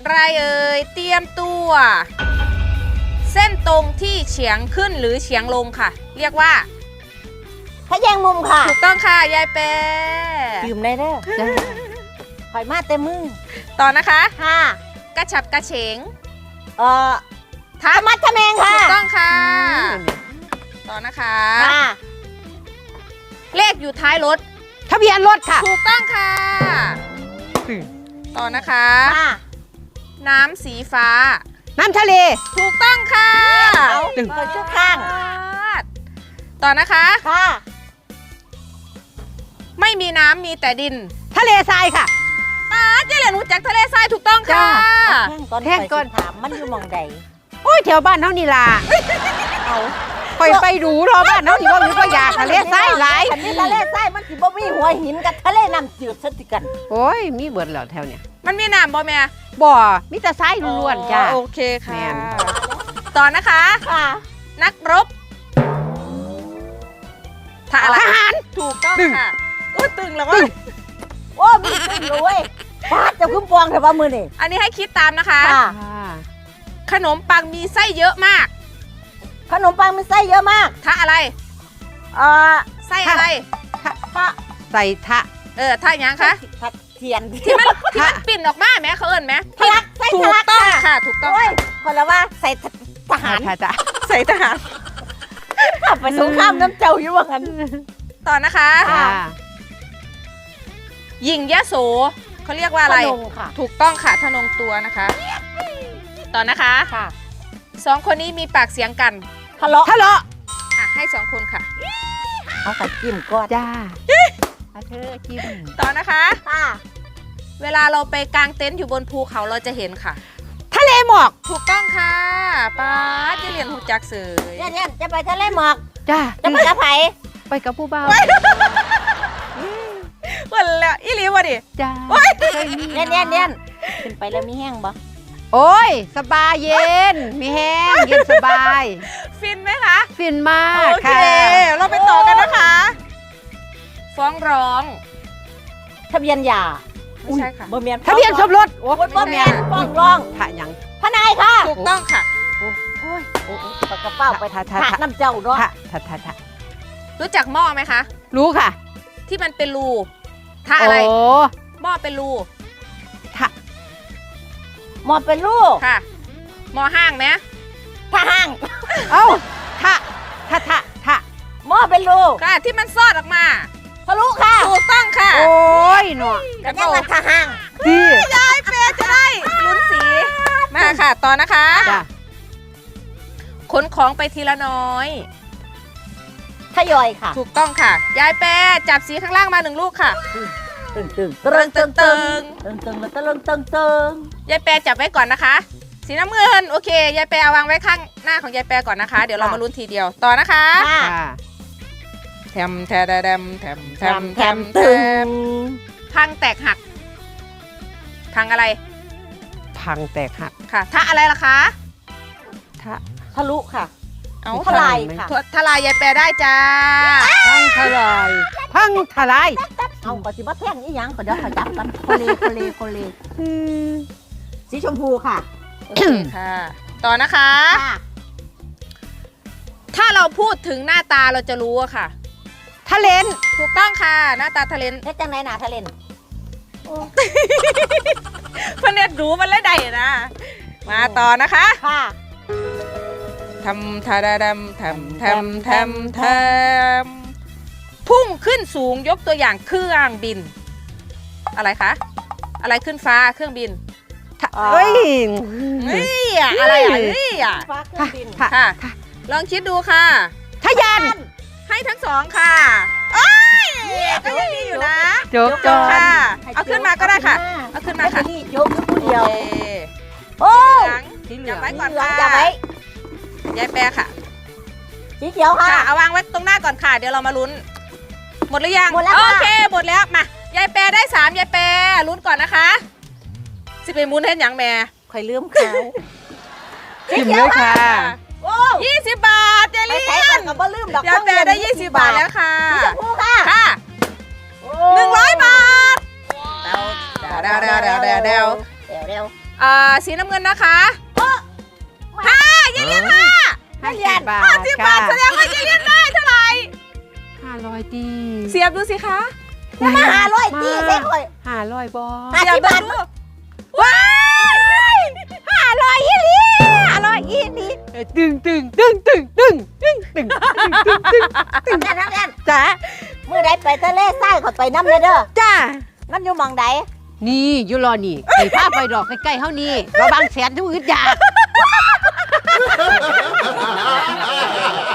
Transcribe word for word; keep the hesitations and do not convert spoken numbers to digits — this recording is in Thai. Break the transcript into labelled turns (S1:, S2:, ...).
S1: ไรเอ่ยเตรียมตัวเส้นตรงที่เฉียงขึ้นหรือเฉียงลงค่ะเรียกว่า
S2: พะแยงมุมค่ะ
S1: ถูกต้องค่ะยายแปร
S2: ยืมได้เด้อคอยมาเต็มมือ
S1: ต่อนะคะ
S2: ค่ะ
S1: กระฉับกระเฉง
S2: เอ่อทับมัดทะแมงค่ะ
S1: ถูกต้องค่ะต่อนะคะค่ะเลขอยู่ท้ายรถ
S3: ทะเบียนรถค่ะ
S1: ถูกต้องค่ะต่อนะคะค่ะน้ำสีฟ้า
S3: น้ำทะเล
S1: ถูกต้องค่ะ
S2: เอาหนึ่งคนชุดข้าง
S1: ต่อนะคะ
S2: ค่ะ
S1: ไม่มีน้ำมีแต่ดิน
S3: ทะเลทรายค่ะ
S1: ป้าเจริญรู้จักทะเลทรายถูกต้องค่ะ
S2: แท่งก้อนถามมันอยู่มองใด
S3: โอ้ยแถวบ้านเท่านี้ล่ะเอาคอยไปดูรอบ้านเท่านี้ว่ามีก็อยากทะเลทรายหลาย
S2: อันนี้ทะเลทรายมันสิบ่มีหัวหินกับทะเลน้ำจืดสักทีกัน
S3: โอ้ยมีเบิดแล้วแถวเนี้ย
S1: มันมีน้ำบ่แม่
S3: บ่มีแต่ทรายล้วนๆจ้า
S1: โอเคค่ะต่อนะคะ
S2: ค่ะ
S1: นักรบทหารถูกต้องค่ะอุ้ยตึงแล้ววะ
S2: โอ้มีตึงเลยเว้ยฟาดจะคุ้มปองแต่ว่ามือนี่
S1: อันนี้ให้คิดตามนะคะขนมปังมีไส้เยอะมาก
S2: ขนมปังมีไส้เยอะมาก
S1: ทะอะไร
S2: เอ่อ
S1: ไส้อะไร
S3: ทะใส่ทะ
S1: เออทะยังคะ
S2: เทียน
S1: ที่มันที่มันปิ่นออกมาไหมเขาเอิญไหม
S2: ทะลักไส้
S1: ถู
S2: ทะลั
S1: กต้องค่ะถูกต้อง
S2: คนละว่าใส่ทหาร
S3: จ้ะ
S1: ใส่ทหาร
S2: ไปสงครามน้ำเจ้าอยู่ว่างั้น
S1: ต่อนะคะหญิงยะโสเขาเรียกว่าอะไรถูกต้องค่ะทนงตัวนะคะต่อนะคะสองคนนี้มีปากเสียงกัน
S2: ทะเลาะ
S3: ทะเลาะ
S1: อ่ะให้สองคนค่ะ
S2: เอาใส่จิ้มก็
S3: จ้าเธอจิ้ม
S1: ต่อนะคะเวลาเราไปกางเต็นท์อยู่บนภูเขาเราจะเห็นค่ะ
S3: ทะเลหมอก
S1: ถูกต้องค่ะป้าจะเรียนหูจักเสือ
S2: เนี่ยเนี่ยจะไปทะเลหมอก
S3: จ้า
S2: จะไปกับไผ
S3: ไปกับผู้บ่าว
S1: วันละอีหลีวะดิ
S3: จ้า
S2: เนี่ยเนี่ยเนี่ยขึ้นไปแล้วมีแห้งบ่
S3: โอ้ยสบายเย็นมีแห้งเย็นสบาย
S1: ฟินไหมคะ
S3: ฟินมาก
S1: โอเคเราไปต่อกันนะคะฟ้องร้อง
S2: ทะเบียนหย่า
S1: ไม่ใช่ค่ะ
S2: บ่เมียน
S3: ทะเบียนสมรส
S2: โอ้ยบ่เมียนฟ้องร้อง
S3: ถ้ายัง
S2: ทนายค่ะ
S1: ถูกต้องค่ะ
S2: โอ้ยโอ้ยปากกระเป๋าไปทาทาน้ำเจ้าเนาะ
S3: ทาทาทา
S1: รู้จักหม้อไหมคะ
S3: รู้ค่ะ
S1: ที่มันเป็นรูท่าอะไรหม้อเป็นรู
S3: ท่า
S2: หม้อเป็นรู
S1: ค่ะหม้อห้างไหม
S2: ท่าห้าง
S3: เอ้าท่าท่าท่าท่า
S2: หม้อเป็นรู
S1: ค่ะที่มันซอดออกมา
S2: ทะลุค่ะ
S1: ถูกต้องค่ะ
S3: โอ้ยหนอ
S2: แล้วก็มาท่าห้าง
S3: ดี
S1: ยายเปย์จะได้ลุ้นสีมาค่ะต่อนะคะขนของไปทีละน้อย
S2: ทยอยค่ะ
S1: ถูกต้องค่ะยายแปรจับสีข้างล่างมาหนึ่งลูกค่ะ
S2: ตึงตึง
S1: ตึงตึงตึง
S2: ตึงตึงแล้วตึงตึงตึง
S1: ยายแปรจับไว้ก่อนนะคะสีน้ำเงินโอเคยายแปรเอาวางไว้ข้างหน้าของยายแปรก่อนนะคะเดี๋ยวเรามาลุ้นทีเดียวต่อนะคะแถมแถมแถมแถมแถมแถมแถมพังแตกหักพังอะไร
S3: พังแตกหัก
S1: ค่ะถ้าอะไรล่ะคะ
S3: ถ้า
S2: ทะลุค่ะ
S1: เอา
S2: ทลายค่ะ
S1: ทลายยายแปรได้จ้า
S3: พังทลายพังทลาย
S2: เอาปฏิบัติแท่งอีหยังก็เดี๋ยวขจับกันโคเลโคเลโคเลสีชมพูค่ะ
S1: โอเคค่ะต่อนะคะถ้าเราพูดถึงหน้าตาเราจะรู้อะค่ะ
S3: ทะเลน
S1: ถูกต้องค่ะหน้าตาทะเลน
S2: เฮ็ดจังไหนหน้าทะเลน
S1: เพื่อนเน็ตรู้มันเลยได้นะมาต่อนะคะ
S2: ค่ะ
S1: ทำทาดำทำทำทำทำพุ่งขึ้นสูงยกตัวอย่างเครื่องบินอะไรคะอะไรขึ้นฟ้าเครื่องบิน
S3: เฮ้ย
S1: นี่อะไรอ่ะนี่อ่ะ
S2: ฟ้าเครื่องบิน
S1: ค่ะลองคิดดูค่ะ
S3: ทะยาน
S1: ให้ทั้งสองค่ะโอ้ยก็ยังดีอยู่นะ
S3: ยก
S1: ค่ะเอาขึ้นมาก็ได้ค่ะเอาขึ้นมาค่ะ
S2: ยกผู้เดียว
S1: โอ้จับไว้ก่อนค่ะ
S2: จับไว้
S1: ยายแปรค่ะ
S2: สีเขียวค่ะ
S1: เอาวางไว้ตรงหน้าก่อนค่ะเดี๋ยวเรามาลุ้นหมดหรือยัง
S2: หมดแล้ว
S1: โอเคหมดแล้วมายายแปรได้สามยายแปรลุ้นก่อนนะคะสิไปมุนเห็นอย่างแม่
S2: ใครลืมเขา
S3: จิ้มเลยค่ะ
S1: ยี่สิบบาทเจลี่
S2: กับบ่ลืมดอก
S1: ยายแปรได้ยี่สิบบาทแล้วค่ะ
S2: สีชมพูค่ะ
S1: ค่ะหนึ่งร้อยบาทเดาเดาเดาเดาเดาเดาเดาอ่าสีน้ำเงินนะคะห้าอย่าเรียนห้า
S3: ห้าสิบบาท
S1: ห้าสิบบาทแสดงว่าอย่าเรียนได้เท่าไหร่
S3: ห้าร้อยดี
S1: เสียบดูสิคะ
S2: จะมาหาร้อยตีใส่ข่อย
S3: ห้าร้อยบอ
S2: ห้า
S1: เสีย
S2: สิ
S1: บ
S2: บบาท
S1: ดูว้าย
S2: ห้าร้อยอีหลีห้าร้อยอีหลี
S3: ตึงตึงตึงตึงตึงตึงตึงตึงตึง
S2: ทำงานทำงาน
S3: จ้า
S2: เมื่อใดไปทะเลทรายข่อยไปน้ำเลยเด้อ
S3: จ้า
S2: มันอยู่หมองใด
S3: นี่อยู่รอนี่ไอ้ภาพไปดอกใกล้ๆเฮานี่เราบางแสนทุกอึดอยาก